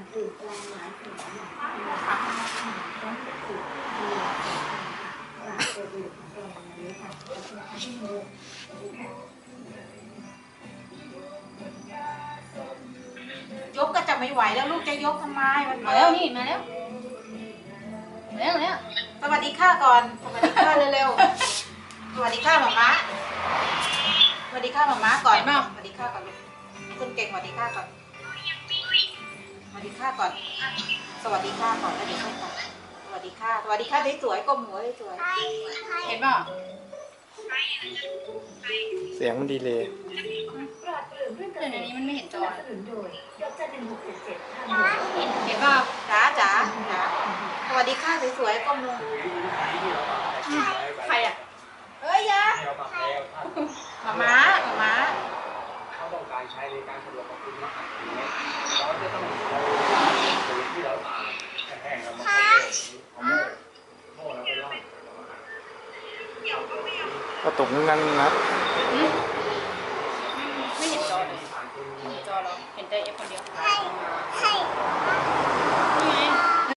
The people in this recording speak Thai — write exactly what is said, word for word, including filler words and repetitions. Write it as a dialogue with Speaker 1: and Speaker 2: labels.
Speaker 1: ยกก็จะไม่ไหวแล้วลูกจะยกทำไมมันมา
Speaker 2: มาแล้วนี่มาแล้วมาแล้วแล้ว
Speaker 1: สวัสดีค่ะก่อนสวัสดีค่ะเร็วๆสวัสดีค่ะหมาม้าสวัสดีค่ะหมาม้าก่อนสวัสดีค่ะก่อนลูกคุณเก่งสวัสดีค่ะก่อนสวัสดีค่ะก่อนสวัสดีค่ะก่อนแล้วเดี๋ยวค่อยกันสวัสดีค่ะสวัสดีค่ะสวยๆก้มหัวสวยๆเห็นป่ะ
Speaker 3: เสียงมันดีเลย
Speaker 2: เดี๋ยวนี้มันไม่เห็นจอเห็นเห็นป่ะ
Speaker 1: จ๋าจ๋าจ๋าสวัสดีค่ะสวยๆก้มลง
Speaker 2: ใครอ่ะ
Speaker 1: เอ้ยยาหมาม้าหมาม้า
Speaker 4: เขาต้องการใช้ในการสะดวกของคุณมากเราจะต้องเอาปุ๋ยที่เราตากแห้งๆแล้วมาเอาโม่โม่แล้วไปร่อน
Speaker 3: ก็ตกนั่นนะ
Speaker 2: ไม่เห็นจอเลยไม่เห็นจอเราเห็นแต่เอฟคนเดียว